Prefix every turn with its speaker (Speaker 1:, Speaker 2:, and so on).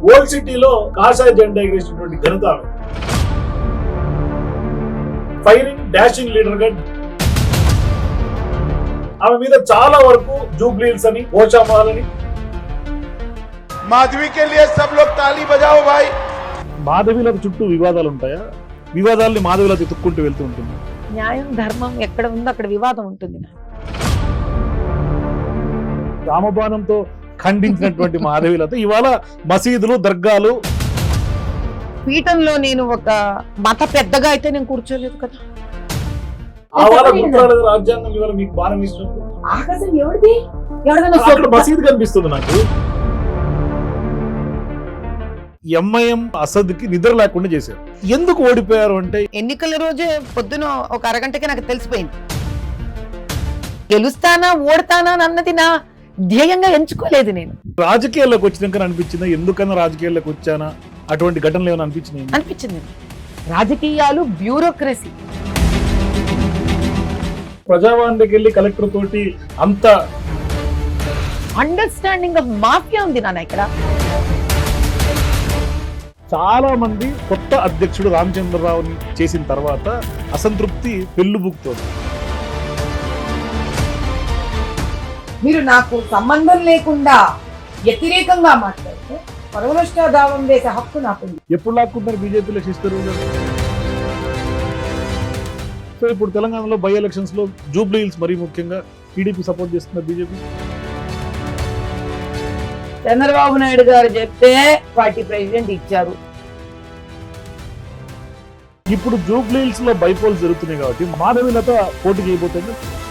Speaker 1: Old సిటీలో కాషాయ జెండా ఎగిరేసినటువంటి ఘనత ఆమె. ఫైరింగ్ డాషింగ్ లీడర్ గా ఆమె మీద చాలా వరకు జూబ్లీల్స్ అని ఓషామాల్ అని
Speaker 2: माधवी के लिए सब लोग ताली बजाओ भाई।
Speaker 1: మాధవిల చుట్టూ వివాదాలు ఉంటాయా? వివాదాలని మాధవిల ఎత్తుక్కుంటూ వెళ్తూ ఉంటుంది.
Speaker 3: న్యాయం ధర్మం ఎక్కడ ఉందో అక్కడ వివాదం ఉంటుంది.
Speaker 1: రామబాణంతో ఖండించినటువంటి మాధవిలతో ఇవాళ మసీదులు దర్గాలు
Speaker 3: పీఠంలో నేను ఒక మత పెద్దగా అయితే నేను కూర్చోలేదు కదా.
Speaker 1: ఆవాల గుర్తురాలేదు రాజ్యాంగం ఇవాళ మీకు బాణం ఇచ్చినప్పుడు
Speaker 3: ఆకాశం ఎవరిది?
Speaker 1: అక్కడ మసీదు కనిపిస్తుంది నాకు. ఎంఐఎం అసద్ కి నిద్ర లేకుండా చేశారు. ఎందుకు ఓడిపోయారు అంటే
Speaker 3: ఎన్నికల రోజే పొద్దున ఒక అరగంటకి నాకు తెలిసిపోయింది. గెలుస్తానా ఓడతానా అన్నది నా ధ్యేయంగా ఎంచుకోలేదు నేను.
Speaker 1: రాజకీయాల్లోకి వచ్చినాక అనిపించిందా ఎందుకన్నా రాజకీయాల్లోకి వచ్చానా అటువంటి ఘటనలు ఏమైనా
Speaker 3: అనిపించింది. రాజకీయాలు బ్యూరోక్రసీ.
Speaker 1: ప్రజావాణికి వెళ్ళి కలెక్టర్ తోటి అంత
Speaker 3: అండర్స్టాండింగ్ ఆఫ్ మాఫియా ఉంది నాన్న ఇక్కడ.
Speaker 1: చాలా మంది కొత్త అధ్యక్షుడు రామచంద్రరావుని చేసిన తర్వాత అసంతృప్తి పెళ్లుబుకుతోంది.
Speaker 4: మీరు నాకు సంబంధం లేకుండా వ్యతిరేకంగా మాట్లాడితే పరవనష్ట దావం వేసే హక్కు నాకు.
Speaker 1: ఎప్పుడు లాక్కుంటారు బీజేపీలో శిస్తారు? సో ఇప్పుడు తెలంగాణలో బై ఎలక్షన్స్ లో జూబ్లీ హిల్స్ మరీ ముఖ్యంగా టీడీపీ సపోర్ట్ చేస్తున్నారు బీజేపీ.
Speaker 4: చంద్రబాబు నాయుడు గారు చెప్తే పార్టీ ప్రెసిడెంట్ ఇచ్చారు.
Speaker 1: ఇప్పుడు జూబ్లీ హిల్స్ లో బైపోల్స్ జరుగుతున్నాయి కాబట్టి మాధవిలత పోటీ చేయబోతుంది.